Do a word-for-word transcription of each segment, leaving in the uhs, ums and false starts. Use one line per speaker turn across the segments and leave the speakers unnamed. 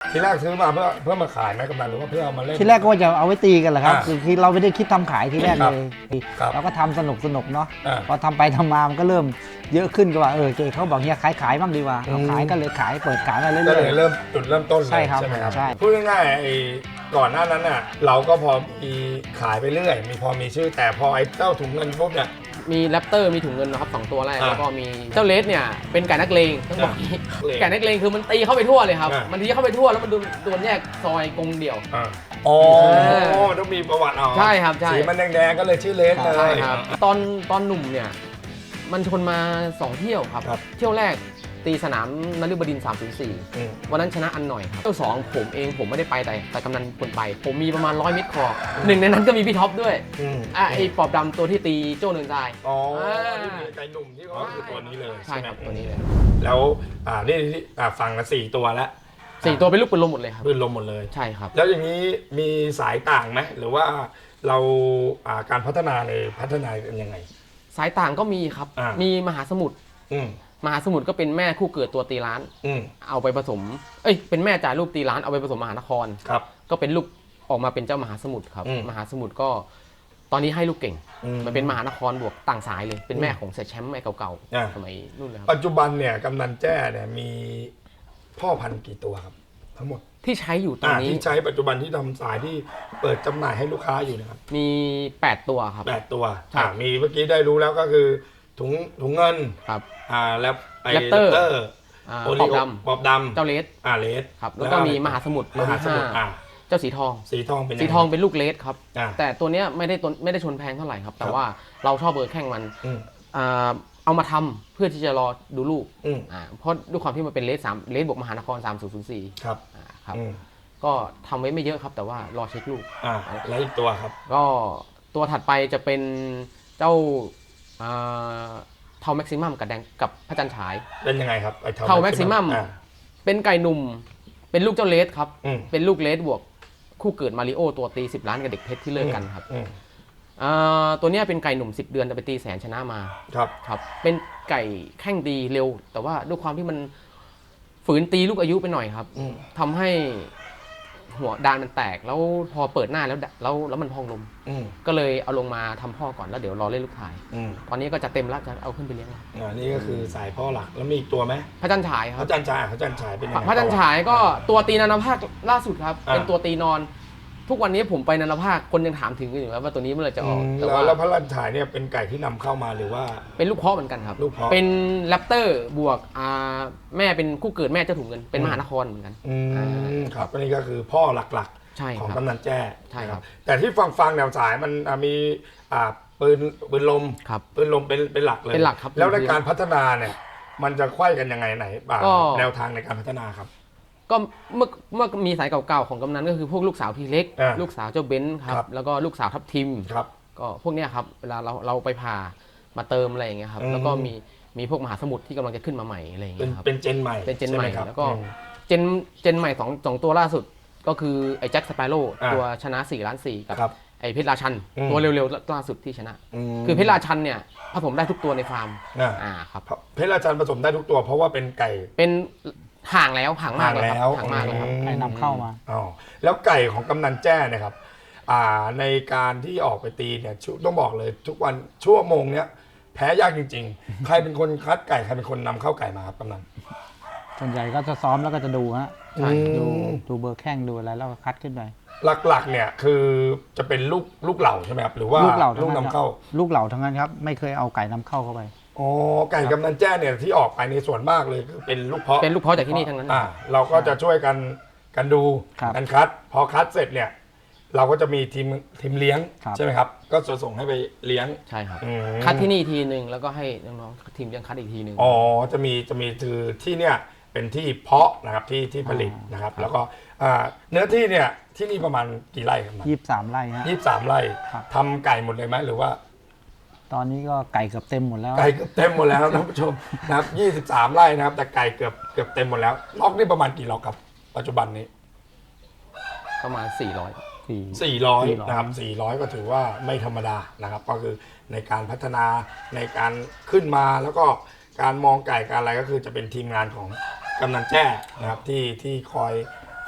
ทีแรกซื้อมาเพื่อเพื่อมาขายไหมกำนันหรือว่าเพื่อเอามาเล่น
ทีแรกก็ว่าจะเอาไว้ตีกันแหละครับคือคือเราไม่ได้คิดทำขายทีแรกเลย
ครับ
เราก็ทำสนุกสนุกเนาะ
อ่า
พอทำไปทำมามันก็เริ่มเยอะขึ้นก็ว่าเออเจเขาบอกเฮียขายขายบ้างดีกว่า
อืม
เราขายก็เลยขายเปิดขายมาเรื่
ก็
อย
เลยเริ่มจุดเริ่มต้นเลย
ใช่ครับ
ใช่ไหมครับ
ใช่
พูดง่ายๆไอ้ก่อนหน้านั้นน่ะเราก็พอมีขายไปเรื่อยมีพอมีชื่อแต่พอไอ้เจ้าถุงเงินปุ๊บเนี่ย
มีแรปเตอร์มีถุงเงินนะครับสองตัวแรก
อ่า
แล้วก็มีเจ้าเลสเนี่ยเป็นไก่นักเลงต้องบอกอย่างนี้
นักเลง
ไก่นักเลงคือมันตีเข้าไปทั่วเลยครับ
อ่ามั
มันตีเข้าไปทั่วแล้วมันโดนโดนแยกซอยกรงเดี่ยว
อ่าอ๋อ
เออ
ต้องมีประวัติเอา
ใช่ครับใช่
สีมันแดงๆก็เลยชื่อเลสเลย
ใช่ครับตอนตอนหนุ่มเนี่ยมันชนมาสองเที่ยวครับ
ครับ
เที่ยวแรกตีสนามนฤบดินทร์สามศูนย์สี่
อืม
วันนั้นชนะอันหน่อยครับเที่ยวสองผมเองผมไม่ได้ไปแต่แต่กำนันคนไป ผมมีประมาณร้อยเมตรคอหนึ่งในนั้นก็มีพี่ท็อปด้วย
อืม
อ่ะไอ้ปอบดำตัวที่ตีโจ้เนินทราย
อ๋อ
อ่า
ที่มีไก่หนุ่มที่เขาคือตัวนี้เลย
ใช่ครับ
ไหม
ตัวนี้เลย
แล้วอ่านี่ที่อ่าฟังกันสี่ตัวแล้ว
สี่ตัวเป็นลูกปืนลมหมดเลยครับ
ปืนลมหมดเลย
ใช่ครับ
แล้วอย่างนี้มีสายต่างไหมหรือว่าเราอ่าการพัฒนาในพัฒนากันยังไง
สายต่างก็มีครับ
อ่ามี
มีมหาสมุทร
อืม
มหาสมุทรก็เป็นแม่คู่เกิดตัวตีล้าน
อืม
เอาไปผสม เอ้ย เป็นแม่จ่ายลูกตีล้านเอาไปผสมมหานคร
ครับ
ก็เป็นลูกออกมาเป็นเจ้ามหาสมุทรครับ
อืม
มหาสมุทรก็ตอนนี้ให้ลูกเก่ง
อื
มันเป็นมหานครบวกต่างสายเลย เป็นแม่ของเสียแชมป์แม่เก่า
อ่า
ๆสมัยนู่นเลยครับ
ปัจจุบันเนี่ยกำนันแจ้เนี่ยมีพ่อพันธุ์กี่ตัวครับ ทั้งหมด
ที่ใช้อยู่ตอน
อ่า
นี้
ที่ใช้ปัจจุบันที่ทำสายที่เปิดจำหน่ายให้ลูกค้าอยู่นะครับ
มีแปดตัวครับ
แปดตัว
ใช่
อ่ามีเมื่อกี้ได้รู้แล้วก็คือถุงถุงเงิน
ครับ
อ่าแล้วไอ้
แรปเตอร์
แรปเตอร์
อ่า
โอ
ป
ริ
อบ
โอ
ด
ปอบด
ำเจ้าเลส
ำอ่าเลส
ครับ แล้วก็มีมหาสมุทร
มหาสมุทร
ตัวที่
อ่า
เจ้าสีทอง
สีทองเป็นยัง
สี
ไง
ทองเป็นลูกเลสครับ
อ่า
แต่ตัวเนี้ยไม่ได้ตัวไม่ได้ชนแพงเท่าไหร่ครับ แต่
ครับ
ว่าเราชอบเบอร์แข่งมัน
อืม
อ่าเอามาทำเพื่อที่จะรอดูลูก
อืม
อ่าเพราะด้วยความที่มันเป็นเลสสามเลสบวกมหานครสามศูนย์ศูนย์สี่
ครับ
อ่าครับ
อืม
ก็ทำไว้ไม่เยอะครับ แต่ว่ารอเช็คลูก
อ่าแล้วอีกตัวครับ
ก็ตัวถัดไปจะเป็นเจ้าอ่าเทาแม็กซิมัมกับแดงกับพระจันทร์ฉาย
เป็นยังไงครับไอ้
เท่า maximum
อ่า
เป็นไก่หนุ่ม เป็นลูกเจ้าเลสครับ
อืม
เป็นลูกเลสบวกคู่เกิดมาริโอตัวตีสิบล้านกับเด็กเพชรที่เลิกกันครับ
อืม
อ่าตัวเนี้ยเป็นไก่หนุ่มสิบเดือนแต่ไปตีแสนชนะมา
ครับ
ครับ เป็นไก่แข้งดีเร็ว แต่ว่าด้วยความที่มันฝืนตีลูกอายุไปหน่อยครับ
อืม
ทำให้หัวดานมันแตกแล้วพอเปิดหน้าแล้วดะแล้วแล้วมันพองลม
อืม
ก็เลยเอาลงมาทำพ่อก่อนแล้วเดี๋ยวรอเล่นลูกถ่าย
อืม
ตอนนี้ก็จะเต็มแล้วจะเอาขึ้นไปเลี้ยงแล้ว
อ่านี่ก็คือสายพ่อหลักแล้วมีอีกตัวไหม
พระจันทร์ฉายค
พ
รับ
ระจันทร์ฉายพระจันทร์ฉายเป็นยังไง
พระจันทร์ฉายก็ตัวตีนานาภาคล่าสุดครับ
อ่า
เป็นตัวตีนอน ทุกวันนี้ผมไปนานาภาคคนยังถามถึงอยู่ว่าตัวนี้เมื่อไหร่จะอ
อื
อก
ม
แต่
แล้ว
ว่า
แล้วพระจันทร์ฉายเนี่ยเป็นไก่ที่นำเข้ามาหรือว่า
เป็นลูกเพาะเหมือนกันครับ
ลูกเพาะ
เป็นแรปเตอร์บวกอ่าแม่เป็นคู่เกิดแม่เจ้าถุงเงินเป็นมหานครเหมือนกัน
อืมครับอันนี้ก็คือพ่อหลัก
ใช่
ๆ
ค
ของ
รับ
กำนันแจ้
ใช่ครับ
แต่ที่ฟังฟังๆแนวสายมันอ่ะมีอ่าปืนปืนลม
ครับ
ปืนลมเป็นเป็นหลักเลย
เป็นหลักครับ
แล้วในการพัฒนาเนี่ยมันจะไขว้กันยังไงไหนอ่า
ก็
แนวทางในการพัฒนาครับ
ก็เมื่อเมื่อมีสายเก่าๆของกำนันก็คือพวกลูกสาวทีเล็ก
อ่า
ลูกสาวเจ้าเบนซ์ค
ครั
รับบ แล้วก็ลูกสาวทับทิม
ครับ
ก็พวกเนี้ยครับเวลาเราเราไปผ่ามาเติมอะไรอย่างเงี้ยครับ
อืม
แล้วก็มีมีพวกมหาสมุทรที่กำลังจะขึ้นมาใหม่อะไรอย่าง
เป็น
เงี้ยครับ
เป็นเจนใหม่
เป็นเจนใหม่
ช่ไครับ
แล้วก็
อืม
เจนเจนใหม่สองสองตัวล่าสุดก็คือไอ้แจ็คสเปโร่
อ่า
ตัวชนะสี่ล้านสี่กับ
ครับ
ไอ้เพชรราชัน
อืม
ตัวเร็วๆล่าสุดที่ชนะ
ม
คือเพชรราชันเนี่ยผสมได้ทุกตัวในฟาร์ม
อ่า
อ่าครับ
เพชรราชันผสมได้ทุกตัว เพราะว่าเป็นไก่
เป็นห่างแล้วห่างมากเลยค
ห่างแล้
รั
ว
บห่างมากเลยครับ
อืม
ๆไก่นำเข้ามา
อ๋อแล้วไก่ของกำนันแจ้เนะครับอ่าในการที่ออกไปตีเนี่ยชุต้องบอกเลยทุกวันชั่วโมงเนี้ยแพ้ยากจริง ๆ ใครเป็นคนคัดไก่ใครเป็นคนนำเข้าไก่มาครับกำนัน
ส่วนใหญ่ก็จะซ้อมแล้วก็จะดูฮะ
ใช่
ดูดูเบอร์แข้งดูอะไรแล้วก็คัดขึ้นไป
หลักๆเนี่ยคือจะเป็นลูกลูกเหล่าใช่ไหมครับหรือว่า
ลูกเหล่า
ลูก
ทั้ง
นำเข้า
ลูกเหล่าทั้งนั้นครับไม่เคยเอาไก่นำเข้าเข้าไป
อ๋อไก่กำนันแจ้เนี่ยที่ออกไปในส่วนมากเลยคือเป็นลูกเพาะ
เป็นลูกเพาะจากที่นี่ทั้งนั้น
อ่าเราก็จะช่วยกันกันดู
ครับ
กันคัด พอคัดเสร็จเนี่ยเราก็จะมีทีมทีมเลี้ยง
ครับ
ใช่ไหมครับก็จะส่งให้ไปเลี้ยง
ใช่ครับ
อืม
คัดที่นี่ทีหนึ่งแล้วก็ให้น้องๆทีมยังคัดอีกทีหนึ่ง
อ๋อจะมีจะมีคือที่เนี่ยเป็นที่เพาะนะครับที่ที่ผลิตนะครับ แล้วก็อ่าเนื้อที่เนี่ยที่นี่ประมาณกี่ไร่ครับ
ยี่สิบสามไร่ฮะ
ยี่สิบสามไร่
ครับ
ทำไก่หมดเลยไหมหรือว่า
ตอนนี้ก็ไก่เกือบเต็มหมดแล้ว
ไก่เกือบเต็มหมดแล้วท่านผู้ชมนะครับยี่สิบสามไร่นะครับแต่ไก่เกือบเกือบเต็มหมดแล้วล็อกนี่ประมาณกี่ล็อกครับปัจจุบันนี้
ประมาณสี่ร้อย
สี่
สี่ร้อย
สี่ร้อย
นะครับสี่ร้อยก็ถือว่าไม่ธรรมดานะครับก็คือในการพัฒนาในการขึ้นมาแล้วก็การมองไก่การอะไรก็คือจะเป็นทีมงานของกำนันแจ้นะครับที่ที่คอย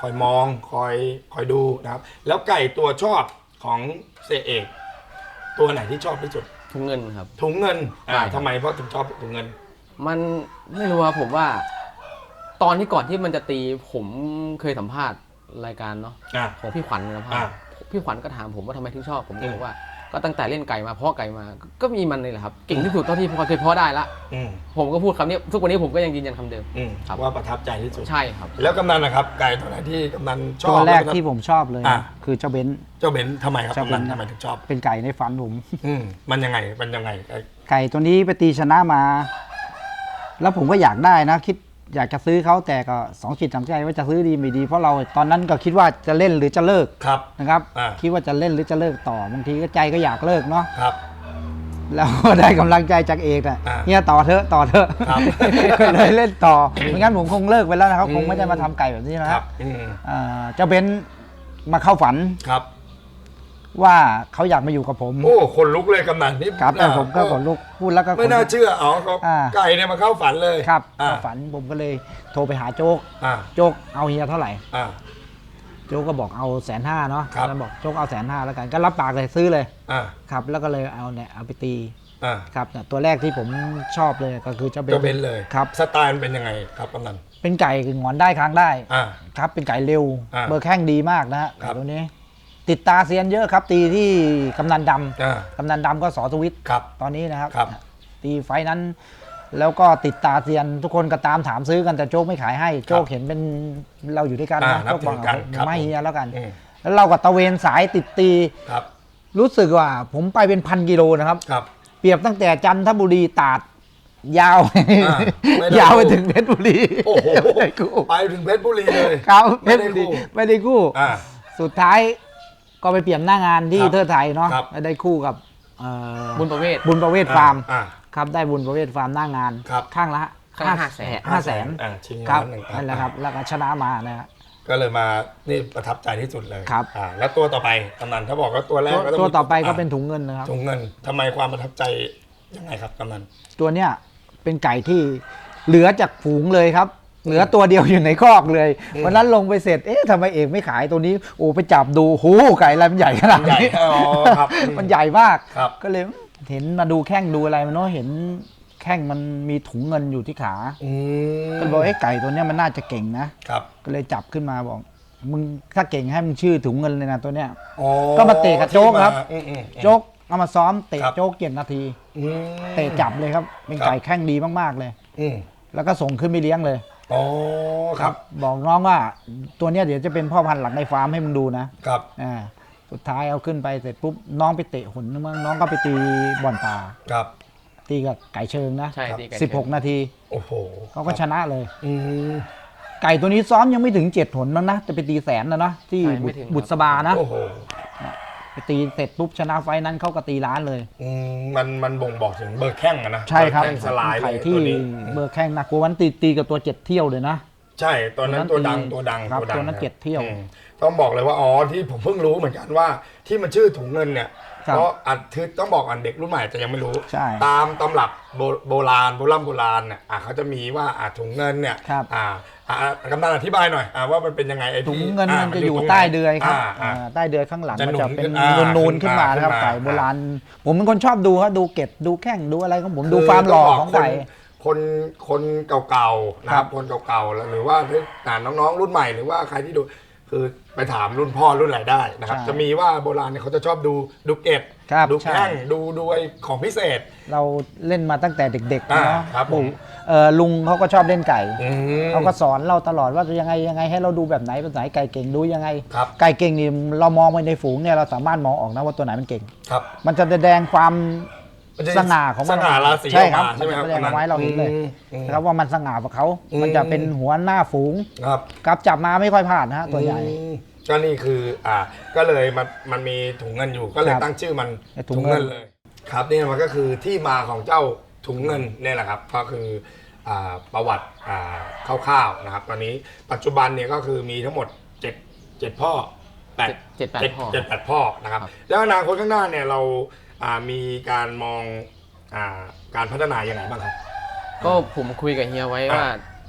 คอยมองคอยคอยดูนะครับ แล้วไก่ตัวชอบของเสียเอก ตัวไหนที่ชอบที่สุด
ทุงเงินครับ
ถุงเงินอ่า
ใช่ครับ
ทำไมเพราะถึงชอบถุงเงิน
มันไม่รู้ครับผมว่า ตอนที่ก่อนที่มันจะตีผมเคยสัมภาษณ์รายการเนาะ
อ่า
ของพี่ขวัญสัมภาษ
อ่า
ณ์พี่ขวัญก็ถามผมว่าทำไมถึงชอบผมก็
อืม
บอกว่าก็ตั้งแต่เล่นไก่มาเพาะไก่มาก็ก็มีมันเลยแหละครับเก่งที่สุดเท่าที่พอเคยเพาะได้ละ
อืม
ผมก็พูดคำนี้ทุกวันนี้ผมก็ยังยืนยันคำเดิม
อืม
ครับ
ว่าประทับใจที่สุด
ใช่ครับ
แล้วกำนันนะครับ ไก่ตัวไหนที่กำนันชอบ
ตัวแรก
ล้ว
ที่ผมชอบเลย
อ่ะ
คือเจ้าเบนซ์
เจ้าเบนซ์ทำไมครับ
เจ้าก
ำนัน
เบนซ์
ทำไมถึงชอบ
เป็นไก่ในฝันผม
อืมมันยังไงมันยังไงไก่
ไก่ตัวนี้ไปตีชนะมา แล้วผมก็อยากได้นะ คิดอยากจะซื้อเขาแต่ก็สองจิตสองใจว่าจะซื้อดีไม่ดี เพราะเราตอนนั้นก็คิดว่าจะเล่นหรือจะเลิก
ครับ
นะครับ
อ่า
คิดว่าจะเล่นหรือจะเลิกต่อบางทีก็ใจก็อยากเลิกเนาะ
ครับ
แล้วก็ได้กำลังใจจากเอกอ่ะ
อ่า
เนี่ยต่อเถอะต่อเถอะ
ครับ
ก็เลยเล่นต่อไม่งั้นผมคงเลิกไปแล้วนะครับคงไม่ได้มาทำไก่แบบนี้นะ
ค
ค
รั
รั
บบ อืม
อ่าเจ้าเบนซ์มาเข้าฝัน
ครับ
ว่าเขาอยากมาอยู่กับผม
โอ้คนลุกเลยกำนันนี่
ครับแต่ผมก็ขนลุกพูดแล้วก็ข
ไม่น่าเชื่อเอาเขา
อ่า
ไก่เนี่ยมาเข้าฝันเลย
ครับ
อ่า
เข้าฝันผมก็เลยโทรไปหาโจ๊ก
อ่า
โจ๊กเอาเฮียเท่าไหร่
อ่า
โจ๊กก็บอกเอาแสนห้าเนาะ
ครับ
แล้วบอกโจ๊กเอาแสนห้าแล้วกันก็รับปากเลยซื้อเลย
อ่า
ครับแล้วก็เลยเอาเนี่ยเอาไปตี
อ่า
ครับเนี่ยตัวแรกที่ผมชอบเลยก็คือเจ้าเบน
เจ้าเบนซ์เลย
ครับ
สไตล์มันเป็นยังไงครับกำนัน
เป็นไก่คือหงอนได้ค้างได้
อ่า
ครับเป็นไก่เร็ว
อ่า
เบอร์แข้งดีมากนะฮะ
ครับ
ไก่ตัวนี้ ติดตาเซียนเยอะครับตีที่กำนันด
อ่า
ำกำนันดำก็สอทวิต
ครับ
ตอนนี้นะครับ
ครับ
ตีไฟท์นั้น แล้วก็ติดตาเซียนทุกคนก็ตามถามซื้อกันแต่โจ๊กไม่ขายให้โจ๊กเห็นเป็นเราอยู่ด้วยกัน
อ่า
นะ
นับ
โจ๊กบอก
ถือกันครับ
ไม่เฮียแล้วกัน
อืม
แล้วเราก็ตะเวนสายติดตี
ครับ
รู้สึกว่าผมไปเป็นพันกิโลนะครับ
ครับ
เปรียบตั้งแต่จันทบุรีตราดยาว
อ่าไม่ได้
ยาวไปถึงเพชรบุรี
โอ้โห
ไม่ได้กู้
ไปถึงเพชรบุรีเลย
ครับเพ
ไม่
ชร
ได้
บุรี
กู้
ไม่ได้กู้
อ่า
สุดท้ายก็ไปเปลี่ยนหน้างานที่
ครับ
เทิดไทยเนาะ
ครับ
ไม่ได้คู่กับเอ่อ
บุญประเวศ
บุญประเวศฟาร์ม
อ่า
ครับได้บุญประเวศฟาร์มหน้างาน
ครับ
ข้างละ
ข้างละห้าแสน
ห้าแสน
อ่าชิง
ครับ
ล้านหนึ่ง
นั่นแหละครับแล้วก็ชนะมานะครับ
ก็เลยมานี่ประทับใจที่สุดเลย
ครับ
อ่าแล้วตัวต่อไปกำนันถ้าบอกว่าตัวแรก
ตัว
ก็ง
ตัว
มี
ต่อไปก็
า
เป็นถุงเงินนะครับ
ถุงเงินทำไมความประทับใจยังไงครับกำนัน
ตัวเนี้ยเป็นไก่ที่เหลือจากฝูงเลยครับ เหลือตัวเดียวอยู่ในคอกเลย
อืม
วันนั้นลงไปเสร็จเอ๊ะทำไมเอกไม่ขายตัวนี้โอ้ไปจับดูโหไก่อะไรมันใหญ่ขนาด
ใหญ่
นี้
อ๋อครับอืม
มันใหญ่มาก
ครับ
ก็เลยเห็นมาดูแข้งดูอะไรมันเนาะเห็นแข้งมันมีถุงเงินอยู่ที่ขา
อืม
ก็เลยบอกไอ้ไก่ตัวเนี้ยมันน่าจะเก่งนะครับ ก็เลยจับขึ้นมาบอกมึงถ้าเก่งให้มึงชื่อถุงเงินเลยนะตัวเนี้ย
อ๋อ
ก็มาเตะกับโจ๊กครับ
อืมอืมอืม
โจ๊กเอามาซ้อมเตะ
ครับ
โจ๊กเจ็ดนาที
อืม
เตะจับเลยครับเป็น
ครับ
ไก่แข้งดีมากๆเลย
อืม
แล้วก็ส่งขึ้นไปเลี้ยงเลย
อ๋อครับ
บอกน้องว่าตัวเนี้ยเดี๋ยวจะเป็นพ่อพันธุ์หลักในฟาร์มให้มึงดูนะครับ อ่าสุดท้ายเอาขึ้นไปเสร็จปุ๊บน้องไปเตะหุ่นนึงมั้งน้องก็ไปตีบ่อนป่า
ครับ
ตีกับไก่เชิงนะ
ใช่ตีไก่
สิบหก
เชิง
นาที
โอ้โห
เขาก็ชนะเลย
อืม
ไก่ตัวนี้ซ้อมยังไม่ถึงเจ็ดหนมั้งนะจะไปตีแสนนะเนาะที่
ใช่
บุ
ไม่
ตร
ถึง
บุตรสบานะ
โอ้โห
ไปตีเสร็จปุ๊บชนะไฟท์นั้นเขาก็ตีล้านเลย
อืมมันมันบ่งบอกถึงเบอร์แข้งอะนะ
ใช่ครับ
เอแข้งสลายเล
ไข่
ย
ที่
ตัวนี้
เบอร์แข้งนะกลัววันตีตีกับตัวเจ็ดเที่ยวเลยนะ
ใช่ตอนนั้นตัวดัง
ตัวนั้น
ตัวดัง
ครับ
ตัวดัง
ตัวนั้น
ะ
เจ็ดเที่ยว
อืมต้องบอกเลยว่าอ๋อที่ผมเพิ่งรู้เหมือนกันว่าที่มันชื่อถุงเงินเนี่ย
ครับ
เพราะอันคือต้องบอกอันเด็กรุ่นใหม่จะยังไม่รู้
ใช่
ตามตำรับโบโบราณโบราณโบราณเนี่ยอ่ะเขาจะมีว่าอ่ะถุงเงินเนี่ย
ครับ
อ่าอ่ากำนันอธิบายหน่อยอ่ะว่ามันเป็นยังไงไอ้ที่
ถุงเงินมันจะ
า
อยู่
ตรงไห
ใต้เดือยครับ
าอ่า
อ่าใต้เดือยข้างหลัง
จะ
มันจะเป็น
หนุนขึ้นอ่า
นูนๆขึ้นมานะครับ
ขึ้นมา
ไก่โบราณ ผมเป็นคนชอบดูครับดูเกล็ดดูแข้งดูอะไรของผมดูความหล่อของไก่
คนคนเก่าๆนะค
ครั
รับบ คนเก่าๆแล้วหรือว่าอ่าน้องๆรุ่นใหม่หรือว่าใครที่ดูคือไปถามรุ่นพ่อรุ่นไหนได้นะครับ
ใช่
จะมีว่าโบราณเนี่ยเขาจะชอบดูดูเกล็ด
ครับ
ดู
ใช่
แข้งดูดูไอ้ของพิเศษ
เราเล่นมาตั้งแต่เด็กๆ
อ่า
เนาะ
ครับผม
ปู่เอ่อลุงเขาก็ชอบเล่นไก่
อืม
เขาก็สอนเราตลอดว่ายังไงยังไงให้เราดูแบบไหนแบบไหนไก่เก่งดูยังไง
ครับ
ไก่เก่งนี่เรามองไปในฝูงเนี่ยเราสามารถมองออกนะว่าตัวไหนมันเก่ง
ครับ
มันจะแสดงความ
มันจะ
สง่าของมัน
สง่าราศี
ใช่ครับ
ออกมาใช่ไหมครับ
มันจะแสดงเอาไว้เราเห็นเลย
อืมอืม
นะครับว่ามันสง่ากว่าเขา
อืม
มันจะเป็นหัวหน้าฝูง
ครับ
กับจับมาไม่ค่อยพลาดนะฮะตัวใหญ่
อืมก็นี่คืออ่าก็เลยมันมันมีถุงเงินอยู่ก็เลย
ครับ
ตั้งชื่อมัน
ถุงเงิน
เลยครับนี่มันก็คือที่มาของเจ้าถุงเงินเนี่ยแหละครับก็คืออ่าประวัติอ่าคร่าวๆนะครับตอนนี้ปัจจุบันเนี่ยก็คือมีทั้งหมดเจ็ดเจ็ดพ่อแปด
เจ็ดแปดพ่อ
เจ็ดแปดพ่อนะครับ
ครับ
แล้วอนาคตข้างหน้าเนี่ยเราอ่ามีการมองอ่าการพัฒนายังไงบ้างครับ
ก็ผมคุยกับเฮียไว้ว่า
อ่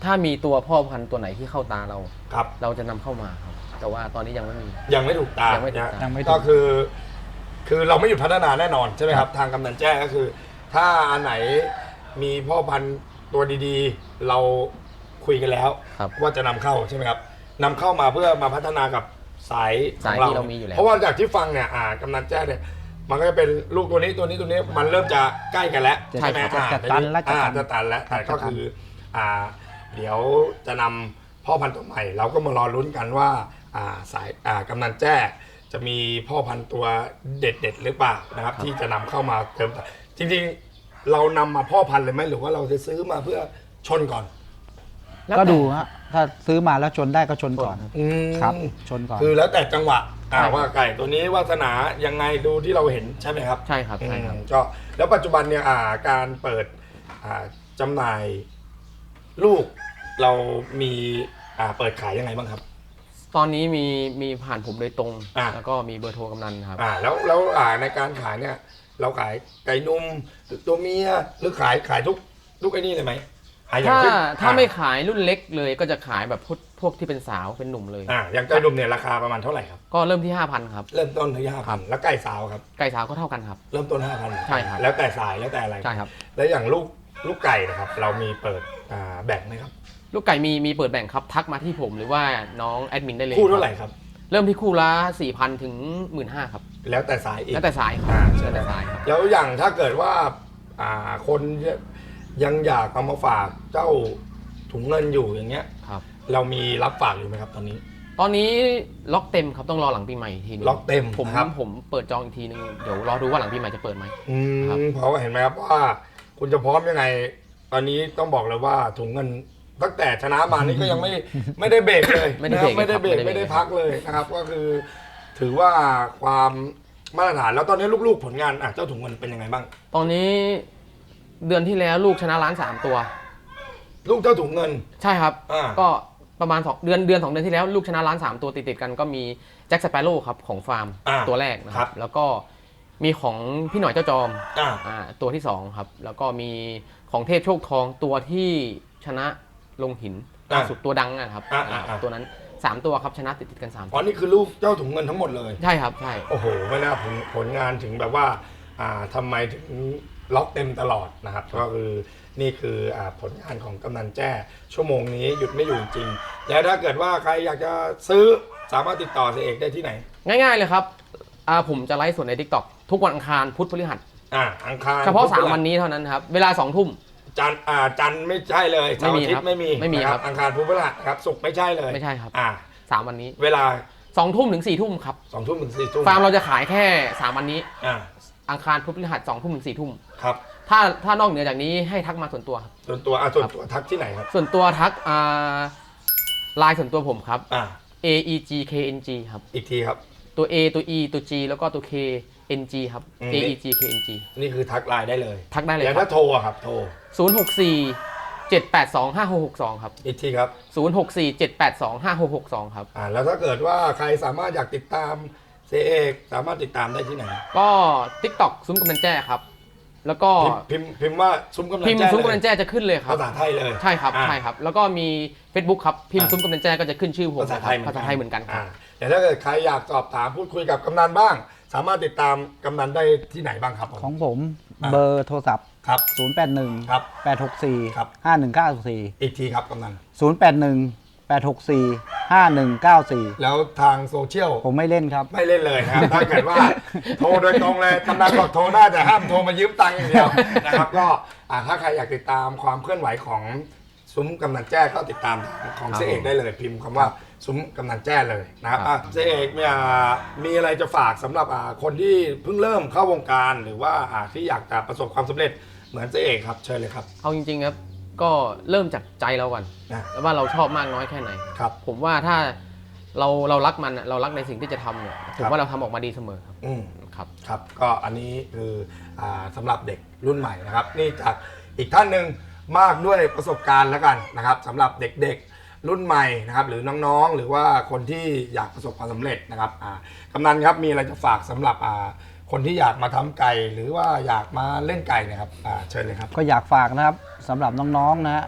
ถ้ามีตัวพ่อพันธุ์ตัวไหนที่เข้าตาเรา
ครับ
เราจะนำเข้ามาครับแต่ว่าตอนนี้ยังไม่มี
ยังไม่ถูกตา
ยังไม่ถูกตา
นะ
ยังไม่ถูก
ก็คือ คือเราไม่หยุดพัฒนาแน่นอนใช่ไหมครับ ทางกำนันแจ้ก็คือ ถ้าอันไหนมีพ่อพันธุ์ตัวดีๆ เราคุยกันแล้ว
ครับ
ว่าจะนำเข้าใช่ไหมครับนำเข้ามาเพื่อมาพัฒนากับสาย
สาย
ของ
ที่เรามีอยู่แล้ว
เพราะว่าจากที่ฟังเนี่ยอ่ากำนันแจ้เนี่ยมันก็จะเป็นลูกตัวนี้ตัวนี้ตัวนี้มันเริ่มจะใกล้กันแล้ว
จะ
ใช่ไหม
จะ
อ่า
จะตันแล้วจะ
อ่า
ตัน
จะตันแล้วแต่ก็คืออ่าเดี๋ยวจะนำพ่อพันธุ์ตัวใหม่ เราก็มารอลุ้นกันว่าอ่าสายอ่ากำนันแจ้จะมีพ่อพันธุ์ตัวเด็ดๆหรือเปล่านะครับที่จะนำเข้ามาเติมแต่จริงๆเรานำมาพ่อพันธุ์เลยไหมหรือว่าเราจะซื้อมาเพื่อชนก่อน
แล้ว
ก็
แต่
ดูฮะถ้าซื้อมาแล้วชนได้ก็ชนก่อน
อืม
ครับชนก่อน
คือแล้วแต่จังหวะอ่า
ใช่
ว่าไก่ตัวนี้วาสนายังไงดูที่เราเห็นใช่ไหมครับ
ใช่ครับใช่ครับ
อืมก็แล้วปัจจุบันเนี่ยอ่าการเปิดอ่าจำหน่ายลูกเรามีอ่าเปิดขายยังไงบ้างครับ
ตอนนี้มีมีผ่านผมโดยตรง
อ่า
แล้วก็มีเบอร์โทรกำนันครับ
อ่าแล้วแล้วอ่าในการขายเนี่ยเราขายไก่นุ่มหรือตัวเมียหรือขายขายทุกทุกไอ้นี่เลยไหมอ่อย่ง
ถ้า
เช่น
ถ้า
อ่
ไม่ขายรุ่นเล็กเลยก็จะขายแบบพวกพวกที่เป็นสาวเป็นหนุ่มเลย
อ่าอย่างไก่นุ่มเนี่ยราคาประมาณเท่าไหร่ครับ
ก็เริ่มที่ ห้าพันครับ
เริ่มต้นที่ห้าพันแล้วไก่สาวครับ
ไก่สาวก็เท่ากันครับ
เริ่มต้นห้าพัน
ใช่ครับ
แล้วแต่สายแล้วแต่อะไร
ใช่ครับ
แล้วอย่างลูกลูกไก่นะครับ เรามีเปิดอ่าแบ่งไหมครับ
ลูกไก่มีมีเปิดแบ่งครับทักมาที่ผมหรือว่าน้องแอดมินได้เลย
คู่เท่าไหร่ครับ
เริ่มที่คู่ละ สี่พัน ถึง หนึ่งหมื่นห้าพัน ครับ
แล้วแต่สายอีก
แล้วแต่สายครับ
อ่า
แล้วแต่สายครับ
แล้วอย่างถ้าเกิดว่าอ่าคนยังอยากเอามาฝากเจ้าถุงเงินอยู่อย่างเงี้ย
ครับ
เรามีรับฝากอยู่ไหมครับตอนนี้
ตอนนี้ล็อกเต็มครับต้องรอหลังปีใหม่อีกทีนึง
ล็อกเต็ม
ผม
นะครับ
ผมเปิดจองอีกทีนึงเดี๋ยวรอดูว่าหลังปีใหม่จะเปิดไหม
อื
ครับ
มเพราะว่าเห็นไหมครับว่าคุณจะพร้อมยังไง ตอนนี้ต้องบอกเลยว่าถุงเงินตั้งแต่ชนะมานี่ก็ยังไม่ ไม่ได้เบรกเลย
ไม่ได้
นะค
เบร
รับ
ก
ไม่ได้เบรก
ครับ
ไม่ได้พักเลยนะครับ ก็คือ ถือว่าความมาตรฐานแล้วตอนนี้ลูกๆผลงานอ่ะเจ้าถุงเงินเป็นยังไงบ้าง
ตอนนี้เดือนที่แล้วลูกชนะล้านสามตัว
ลูกเจ้าถุงเงิน
ใช่ครับ
อ่า
ก็ประมาณสองเดือนเดือนสองเดือนที่แล้วลูกชนะล้านสามตัวติดติดๆกันก็มีแจ็คสเปโร่ครับของฟาร์ม
อ่า
ตัวแรกนะค
ครั
รับ บแล้วก็มีของพี่หน่อยเจ้าจอม
อ่า
อ่าตัวที่สองครับแล้วก็มีของเทพโชคทองตัวที่ชนะลงหินล่าสุดตัวดังนะครับ
อ่าอ่าอ่า
ตัวนั้นสามตัวครับชนะติดติดๆกันสาม
อ๋อนี่คือลูกเจ้าถุงเงินทั้งหมดเลย
ใช่ครับใช่
โอ้โหไม่น่าผลผลงานถึงแบบว่าอ่าทำไมถึงล็อกเต็มตลอดนะครับ ก็คือนี่คืออ่าผลงานของกำนันแจ้ชั่วโมงนี้หยุดไม่อยู่จริง แล้วถ้าเกิดว่าใครอยากจะซื้อสามารถติดต่อเสยเอกได้ที่ไหน
ง่ายๆเลยครับอ่าผมจะไลฟ์สดใน ทิกต็อก ทุกวันอังคารพุธพฤหัส
อ่าอังคาร
เฉพาะ
พุธ
สาม
พฤหัส
วันนี้เท่านั้นครับเวลาสองทุ่ม
จันทร์อ่าจันทร์ไม่ใช่เลยเสาร์อาทิต
ไม่มีครับ
ย์ไม่มี
ไม่มี
นะครับ อังคารพุธพฤหัสนะครับศุกร์ไม่ใช่เลย
ไม่ใช่ครับ
อ่า
สามวันนี้
เวลา
สองทุ่มถึงสี่ทุ่มครับ
สองทุ่มถึงสี่ทุ่ม
ฟาร์มเราจะขายแค่สามวันนี้
อ่า
อังคารพุธพฤหัสสองทุ่มถึงสี่ทุ่ม
ครับ
ถ้าถ้านอกเหนือจากนี้ให้ทักมาส่วนตัวครับ
ส่วนตัวอ่าส่วนตัวทักที่ไหนครับ
ส่วนตัวทักอ่าไลน์ส่วนตัวผมครับ
อ่า
A E G K N G ครับ
อีกทีครับ
ตัว A ตัว E ตัว G แล้วก็ตัว K N G ครับ
อืม
A E G K N G
นี่คือทักไลน์ได้เลย
ทักได้เลย
แล้ว
ครั
ถ้าโทรอะครับโทร
ศูนย์หกสี่เจ็ดแปดสองห้าหกหกสองครับ
อีกทีครับ
ศูนย์หกสี่เจ็ดแปดสองห้าหกหกสองครับ
อ่าแล้วถ้าเกิดว่าใครสามารถอยากติดตามเสยเอกสามารถติดตามได้ที่ไหน
ก็ TikTok ซุ้มกำนันแจ้ครับ แล้วก็
พิมพ์พิมพ์พิมพ์ว่าซุ้มกำนัน
พิมพ์
แจ้
ซุ้ม
เล
กำนั
ย
นแจ้จะขึ้นเลยครับ
ภาษาไทยเลย
ใช่ครับ
อ่า
ใช่ครับ แล้วก็มี Facebook ครับพิมพ์
อ่า
ซุ้มกำนันแจ้ก็จะขึ้นชื่อผม
ภาษาไทย
ภาษาไทยเหมือนกันครับ
อ่าแต่ถ้าเกิดใครอยากสอบถามพูดคุยกับกำนันบ้าง สามารถติดตามกำนันได้ที่ไหนบ้างครับผม
ของผม
อ่ะ
เบอร์โทรศัพท์
ครับ
ศูนย์ แปด หนึ่ง
ครับ
แปด หก สี่
ครับ
ห้า หนึ่ง เก้า สี่
อีกทีครับกำนัน
ศูนย์ แปด หนึ่ง แปด หก สี่ ห้า หนึ่ง เก้า สี่
แล้วทางโซเชียล
ผมไม่เล่นครับ
ไม่เล่นเลยนะครับ ถ้าเกิดว่าโทรโดยตรงเลยกำนันบอกโทรได้แต่ห้ามโทรมายืมตังค์อย่างเดียวนะครับก็อ่าถ้าใครอยากติดตามความเคลื่อนไหวของซุ้มกำนันแจ้ก็ติดตามของ
ครับ
เสยเอกได้เลยพิมพ์คำว่าซุ้มกำนันแจ้เลยนะครับ
ครับ
อ่ะเสยเอกเนี่ยมีอะไรจะฝากสำหรับอ่าคนที่เพิ่งเริ่มเข้าวงการหรือว่าอ่าที่อยากจะประสบความสำเร็จเหมือนเสยเอกครับเชิญเลยครับ
เอาจริงๆครับก็เริ่มจากใจเราก่อน
นะ
แล้วว่าเราชอบมากน้อยแค่ไหน
ครับ
ผมว่าถ้าเราเรารักมันอะเรารักในสิ่งที่จะทำเนี่ยผ
ครั
ม
บ
ว่าเราทำออกมาดีเสมอครับ
อืม
ครับ
ครับก็อันนี้คืออาสำหรับเด็กรุ่นใหม่นะครับ นี่จากอีกท่านหนึ่งมากด้วยประสบการณ์แล้วกันนะครับสำหรับเด็กๆรุ่นใหม่นะครับ หรือน้องๆหรือว่าคนที่อยากประสบความสำเร็จนะครับอ่ากำนันครับมีอะไรจะฝากสำหรับอ่าคนที่อยากมาทำไก่หรือว่าอยากมาเล่นไก่เนะครับอ่าเชิญเลยครับ
ก็อยากฝากนะครับสำหรับน้องๆนะฮะ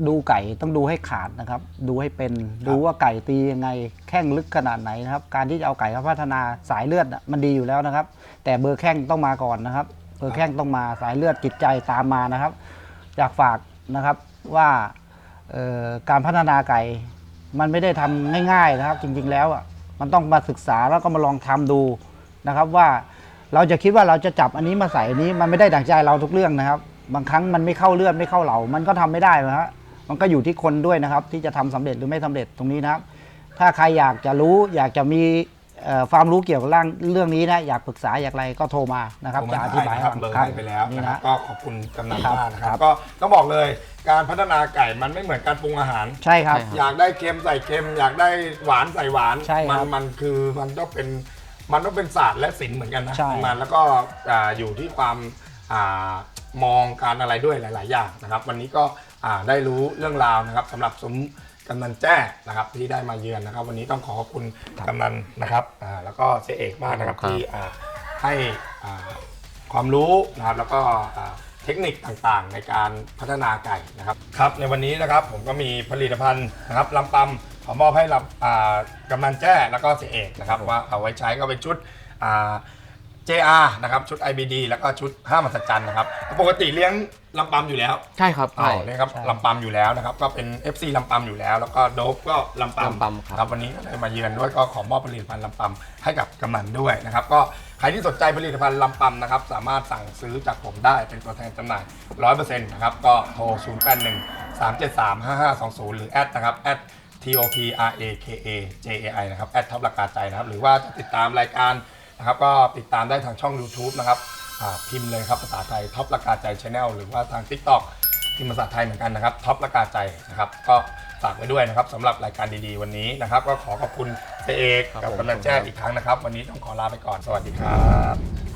ดูไก่ต้องดูให้ขาดนะครับดูให้เป็นดูว่าไก่ตียังไงแข้งลึกขนาดไหนนะครับการที่จะเอาไก่มาพัฒนาสายเลือดมันดีอยู่แล้วนะครับแต่เบอร์แข้งต้องมาก่อนนะครับเบอร์แข้งต้องมาสายเลือดจิตใจตามมานะครับอยากฝากนะครับว่าการพัฒนาไก่มันไม่ได้ทำง่ายๆนะครับจริงๆแล้วอ่ะมันต้องมาศึกษาแล้วก็มาลองทำดูนะครับว่าเราจะคิดว่าเราจะจับอันนี้มาใส่อันนี้มันไม่ได้ดั่งใจเราทุกเรื่องนะครับบางครั้งมันไม่เข้าเลือดไม่เข้าเหลามันก็ทำไม่ได้นะฮะมันก็อยู่ที่คนด้วยนะครับที่จะทำสำเร็จหรือไม่สำเร็จตรงนี้นะครับถ้าใครอยากจะรู้อยากจะมีความรู้เกี่ยวกับเรื่องเรื่องนี้นะอยากปรึกษาอยากอะไรก็โทรมานะครับจะอธิบาย
ครับเบอร์ให้ไปแล้ว
นี่
นะครับ
นะ
ก็ขอบคุณกำนัน
ครับ
มากนะครับก็ต้องบอกเลยการพัฒนาไก่มันไม่เหมือนการปรุงอาหาร
ใช่ครับ
อยากได้เค็มใส่เค็ม อยากได้หวานใส่หวาน
ใช่ครับ
มันมันคือมันต้องเป็นมันต้องเป็นศาสตร์และศิลป์เหมือนกันนะ
ใช่
มันแล้วก็อ่าอยู่ที่ความอ่ามองการอะไรด้วยหลาย ๆ อย่างนะครับ วันนี้ก็อ่าได้รู้เรื่องราวนะครับสำหรับซุ้มกำนันแจ้นะครับที่ได้มาเยือนนะครับ วันนี้ต้องขอขอบคุณกำนันนะครับอ่าแล้วก็เสียเอกมากนะครับ
ครับ
ที่อ่าให้อ่าความรู้นะครับแล้วก็อ่าเทคนิคต่างๆ ในการพัฒนาไก่นะครับครับในวันนี้นะครับผมก็มีผลิตภัณฑ์นะครับลำปำขอมอบให้ลำอ่ากำนันแจ้แล้วก็เสียเอกนะครับว่าเอาไว้ใช้ก็เป็นชุดอ่า เจ อาร์ นะครับชุด ไอ บี ดี แล้วก็ชุดห้ามหัศจรรย์นะครับปกติเลี้ยงลำปำอยู่แล้ว
ใช่ครับ
อ๋
ใช่
อนี่ครับลำปำอยู่แล้วนะครับก็เป็น เอฟ ซี ลำปำอยู่แล้วแล้วก็โดฟก็ลำปำ
ลำปำครับ
ครับวันนี้ก็ได้มาเยือนด้วยก็ขอมอบผลิตภัณฑ์ลำปำให้กับกำนันด้วยนะครับก็ใครที่สนใจผลิตภัณฑ์ลำปำนะครับสามารถสั่งซื้อจากผมได้เป็นตัวแทนจำหน่าย ร้อยเปอร์เซ็นต์ นะครับก็โทร ศูนย์ แปด หนึ่ง สาม เจ็ด สาม ห้า ห้า สอง ศูนย์ หรือแอดนะครับแอด ที โอ พี อาร์ เอ เค เอ เจ เอ ไอ นะครับแอดท็อปราคาใจนะครับหรือว่าจะติดตามรายการนะครับก็ติดตามได้ทางช่อง YouTube นะครับพิมพ์เลยครับภาษาไทยท็อปราคาใจ Channel หรือว่าทาง TikTok พิมพ์ภาษาไทยเหมือนกันนะครับท็อปราคาใจนะครับก็ฝากไว้ด้วยนะครับสำหรับรายการดีๆวันนี้นะครับก็ขอขอบคุณเจเอกกับกำนันแจ้อีกครั้งนะครับวันนี้ต้องขอลาไปก่อนสวัสดีครับ